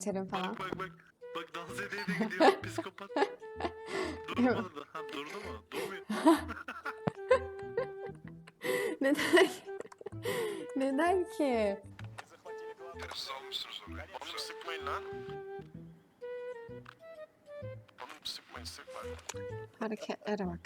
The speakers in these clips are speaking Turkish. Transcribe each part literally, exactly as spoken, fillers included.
Terim falan. Bak bak bak. Bak dans ediyor da gidiyor psikopat. Durmadı da. Ha durdu mu? Durmuyor. Neden? Neden ki? Siz almışsınız orayı. Oğlum sıkmayın lan. Oğlum sıkmayın sıkmayın. Hareketlere bak.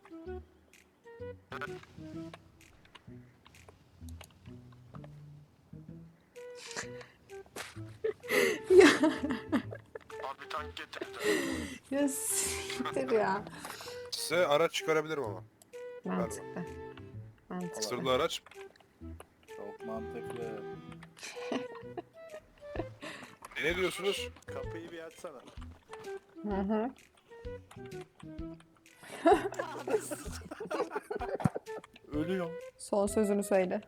Ya, Abi tank getirdi. ya siktir ya. Size araç çıkarabilirim ama. Mantıklı. Mantıklı. Sırlı araç. Çok mantıklı. E, ne diyorsunuz? Kapıyı bir açsana. Hı hı. Ölüyorum. Son sözünü söyle.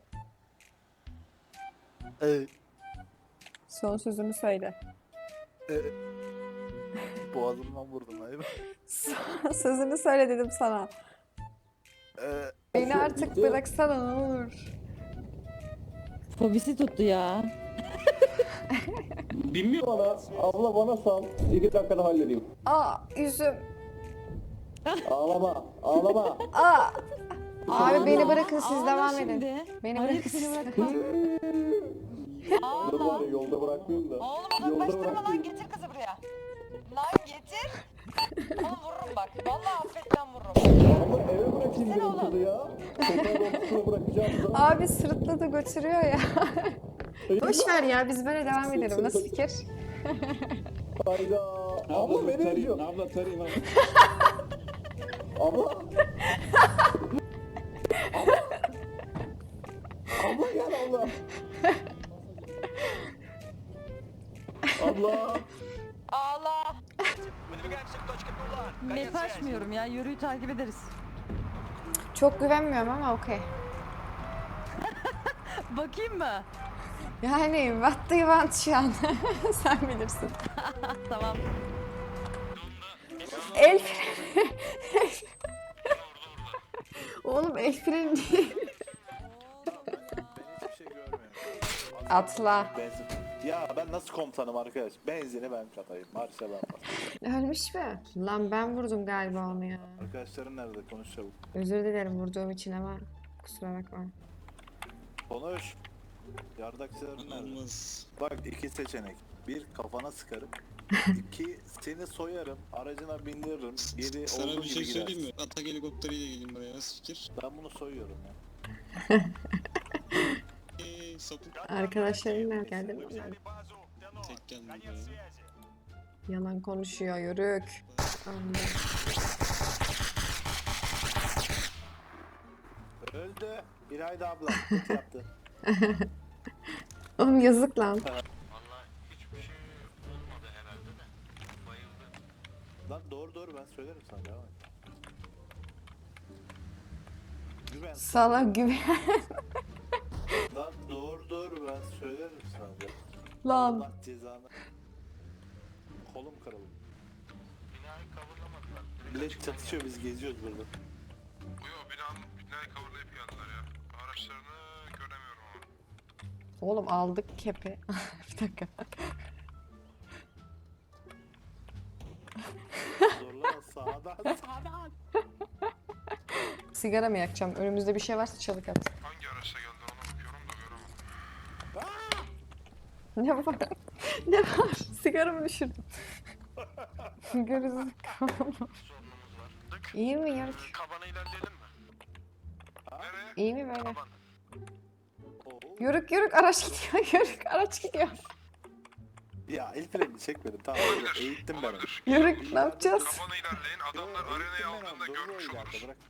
Evet. Son sözünü söyle. Evet. Boğazımdan vurdum hayır. Son sözünü söyle dedim sana. Ee, Beni artık bıraksana ne olur. Fobisi tuttu ya. Bana, abla bana sal. İki dakikada halledeyim. Aa yüzüm. Ağlama, ağlama. Aa. Abi beni Ağla, bırakın siz ağla devam şimdi. edin. Beni Hayır, bırakın seni siz. bırakmam. Dur var ya yolda bırakmayayım da. Oğlum Yolda uzaklaştırma lan, bırakmayayım. getir kızı buraya. Lan getir. Oğlum vururum bak. Vallahi affetmem vururum. Ama eve bırakayım Sen dedim oğlum. kızı ya. Sokağın ortasına bırakacağım da. Abi sırıtladı götürüyor ya. Boş ver ya biz böyle devam edelim. Nasıl fikir? Hayda. Abla nereye gidiyorsun? Abla tarayayım abi. Abla. Abla gel abla. Abla. Ağla. Map açmıyorum ya. Yürüyü takip ederiz. Çok güvenmiyorum ama okey. Bakayım mı? Yani what do you want şu an? Sen bilirsin. Tamam. El freni. Oğlum el freni değil. ben hiçbir şey görmüyorum. Atla. Benzin. Ya ben nasıl komutanım arkadaş? Benzini ben katayım. Marşa ben basayım. Ölmüş mü? Lan ben vurdum galiba onu ya. Arkadaşların nerede? Konuş çabuk. Özür dilerim vurduğum için ama kusura bakma. Konuş. Yardakçıların nerede? Olmaz. Bak iki seçenek. Bir kafana sıkarım. İki seni soyarım. Aracına bindiririm. Geri Sana olduğu bir şey gibi söyleyeyim gidersin. mi? Atak helikopteriyle geleyim buraya. Nasıl fikir? Ben bunu soyuyorum ya. Eee sapık. Arkadaşlarım nerede geldi mi? Tek geldim buraya. Yalan konuşuyor yörük. Allah. Öldü. İlayda abla. Kötü yaptı. Oğlum yazık lan. Valla hiçbir şey olmadı herhalde de. Bayıldı. Lan doğru doğru ben söylerim sana. Devam et. Güven. Sala güven. Lan doğru doğru ben söylerim sana. Lan. Allah cezanı. Kolum kırıldı. Binayı coverlamadılar. Direkt Millet açıktan çatışıyor biz geziyoruz burada. Yo binanın binayı coverlayıp geldiler ya. Araçlarını göremiyorum ama. Oğlum aldık kepi. Bir dakika. Zorlama sağdan sağdan. Sigara mı yakacağım? Önümüzde bir şey varsa çabuk at. Hangi araçla geldi ona bakıyorum da göremedim. Ne var? Ne var? Sigara mı düşürdüm? Görürsün. sorunumuz var. Dık. İyi mi ya? Kabana ilerleyelim mi? Nereye? İyi mi böyle? Kaban. Oo. Yörük yörük araç gidiyor. Yörük araç gidiyor. Ya el freni çekmedim tamam. Olabilir. Eğittim ben. onu. Olabilir. Yörük ne yapacağız? Kabana ilerleyin. Adamlar Yo, arenayı eğittim ben aldığında onu, duruyor görmüş ileride, oluruz. bırak.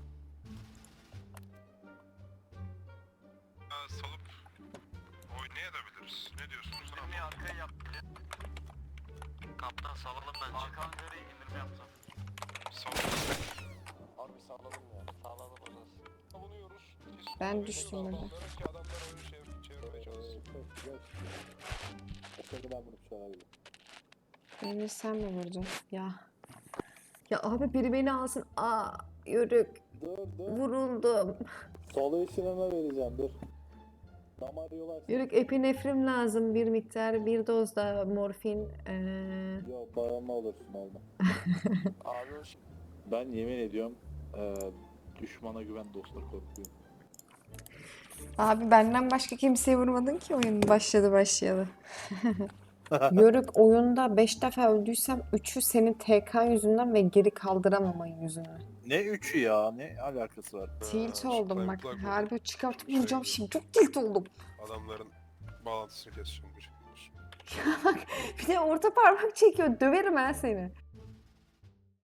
Ha, salıp oynayabiliriz. Ne diyorsunuz? İndirmeyi arkaya yap. Kaptan salalım bence. Arkan nereye indirme yapsam? Salıp. Harbi salalım ya. Sağladım o zaman. Savunuyoruz. Ben düştüm burada. Ki adamlar oyunu çevir- çevirmeye çalışsın. O sırada ben bunu söyleyebilirim. Beni sen mi vurdun? Ya. Ya abi biri beni alsın. Aa yörük. Dur dur. Vuruldum. Solu işinime vereceğim dur. Damar yolarsın. Yörük epinefrin lazım bir miktar, bir doz da morfin. Ee, Yok bağımlı olursun olma. Abi hoş. Ben yemin ediyorum eee düşmana güven dostlar korkuyor. Abi benden başka kimseye vurmadın ki oyun başladı başlayalı. Yörük oyunda beş defa öldüysem üçü senin T K yüzünden ve geri kaldıramaman yüzünden. Ne üçü ya? Ne alakası var? Tilt Ha, oldum bak. kulak- Harbi çıkartıp Şey vuracağım gibi. şimdi. Çok tilt oldum. Adamların bağlantısını keseceğim. Bir şey. Bir de orta parmak çekiyor. Döverim ben seni.